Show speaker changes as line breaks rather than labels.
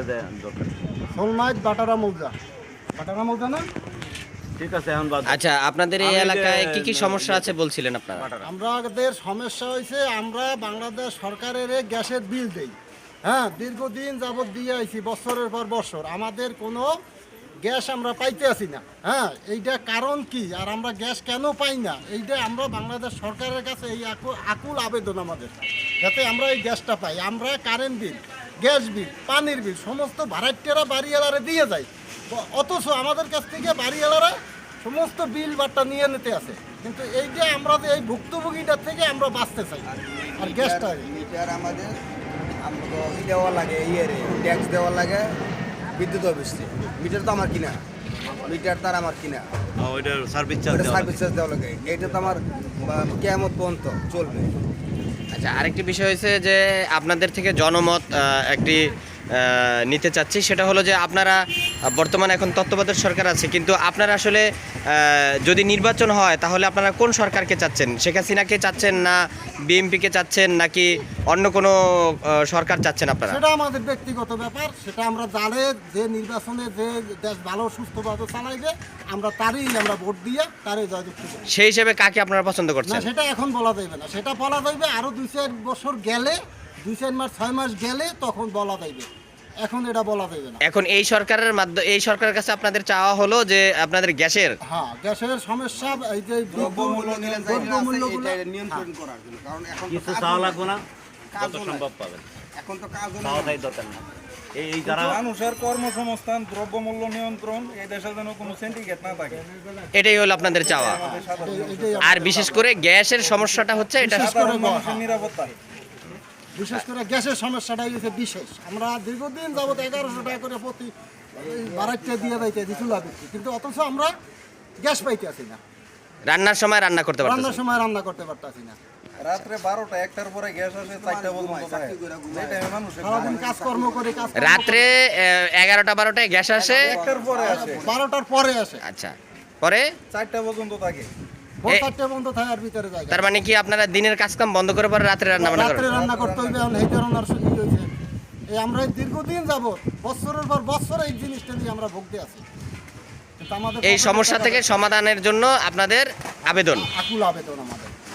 শোলমাইট বাটারা মৌজা না?
ঠিক আছে এখন বাদ।
আচ্ছা, আপনাদের এই এলাকায় কি কি সমস্যা আছে বলছিলেন আপনারা?
আমাদের সমস্যা হয়েছে, আমরা বাংলাদেশ সরকারের গ্যাসের বিল দেই। হ্যাঁ, দীর্ঘদিন যাবৎ দিয়ে আইছি, বছরের পর বছর আমাদের কোনো গ্যাস আমরা পাইতে আসি না। হ্যাঁ, এইটা কারণ কি, আর আমরা গ্যাস কেন পাই না, এইটা আমরা বাংলাদেশ সরকারের কাছে এই আকুল আবেদন আমাদের, যাতে আমরা এই গ্যাসটা পাই। আমরা কারেন্ট বিল, গ্যাস বিল, পানির বিল সমস্ত ভাড়াটিয়ারা বাড়িওয়ালারে দিয়ে যায়, অথচ আমাদের কাছ থেকে বাড়িওয়ালারা সমস্ত বিল বাট্টা নিয়ে নিতে আসে। কিন্তু এই যে আমরা যে এই ভুক্তভোগীটার থেকে আমরা বাঁচতে চাই, আর গ্যাসটা
মিটার আমাদের দেওয়া লাগে, ট্যাক্স দেওয়া লাগে বিদ্যুৎ অফিসে। মিটার তো আমার কিনা, মিটার তার আমার কিনা,
ওইটার সার্ভিস চার্জ
দেওয়া লাগে। এটা তো আমার কেমন পর্যন্ত চলবে।
আচ্ছা, আরেকটি বিষয় হয়েছে যে আপনাদের থেকে জনমত একটি নিতে চাচ্ছি, সেটা হলো যে আপনারা বর্তমানে এখন তত্ত্বাবধায়ক সরকার আছে, কিন্তু আপনারা আসলে যদি নির্বাচন হয় তাহলে আপনারা কোন সরকারকে চাচ্ছেন? শেখ হাসিনাকে চাচ্ছেন, না বিএনপিকে চাচ্ছেন, নাকি অন্য কোনো সরকার চাচ্ছেন আপনারা?
সেটা আমাদের ব্যক্তিগত ব্যাপার, সেটা আমরা জানে যে নির্বাচনে যে দেশ ভালো সুস্থভাবে চালাইবে আমরা আমরা ভোট দিয়ে তারই জয়যুক্ত করি।
সেই হিসেবে কাকে আপনারা পছন্দ করছেন?
না, সেটা এখন বলা যাবে না, সেটা বলা যাবে আরো 2-4 বছর গেলে, 2-4 মাস 6 মাস গেলে তখন বলা যাবে, এখন এটা বলা যাবে না।
এখন এই সরকারের মাধ্যমে, এই সরকারের কাছে আপনাদের চাওয়া হলো যে আপনাদের গ্যাসের
গ্যাসের সমস্যা, এই যে দ্রব্যমূল্যগুলো
নিয়ন্ত্রণ করার জন্য, কারণ এখন
কিছু চাওয়া লাগবে না, যত সম্ভব পাবেন।
এখন তো কাজ
চাওয়াটাই দরকার না। এই যারা
মানুষের কর্মসংস্থান, দ্রব্যমূল্য নিয়ন্ত্রণ, এই দেশে যেন কোনো সিন্ডিকেট না থাকে,
এটাই হলো আপনাদের চাওয়া। আর বিশেষ করে গ্যাসের সমস্যাটা হচ্ছে এটা,
মানুষের নিরাপত্তা।
বিশেষ করে গ্যাসের সমস্যাটাই হচ্ছে বিশেষ। আমরা দীর্ঘদিন যাবত 1100 টাকা করে প্রতি বাড়াইতে দিয়ে যাইতে চুলা দিচ্ছি, কিন্তু অথচ আমরা গ্যাস পাইতে আসি না,
রান্নার সময় রান্না করতে পারতেছেন,
রান্নার সময় রান্না করতে পারতেছি না।
রাত্রে 12টা 1টার পরে গ্যাস আসে, 4টা পর্যন্ত থাকে। এই টাইমে মানুষের
সারাদিন কাজকর্ম করে
রাত্রে 11টা 12টায় গ্যাস আসে,
1টার পরে আসে,
12টার পরে আসে,
আচ্ছা, পরে
4টা পর্যন্ত থাকে।
ভোর 4টে পর্যন্ত থাকার ভিতরে যায়।
তার মানে কি আপনারা দিনের কাজ কাম বন্ধ করে পরে রাত্রে রান্না বান্না
রাত্রে
করেন?
রান্না করতে হইবে, এখন এই ধরনের সুযোগ হয়েছে। এই আমরা দীর্ঘদিন যাবত বছরের পর বছর এই জিনিসটা নিয়ে আমরা ভুগতে আছি। কিন্তু আমাদের
এই সমস্যা থেকে সমাধানের জন্য আপনাদের আবেদন।
আকুল আবেদন আমাদের।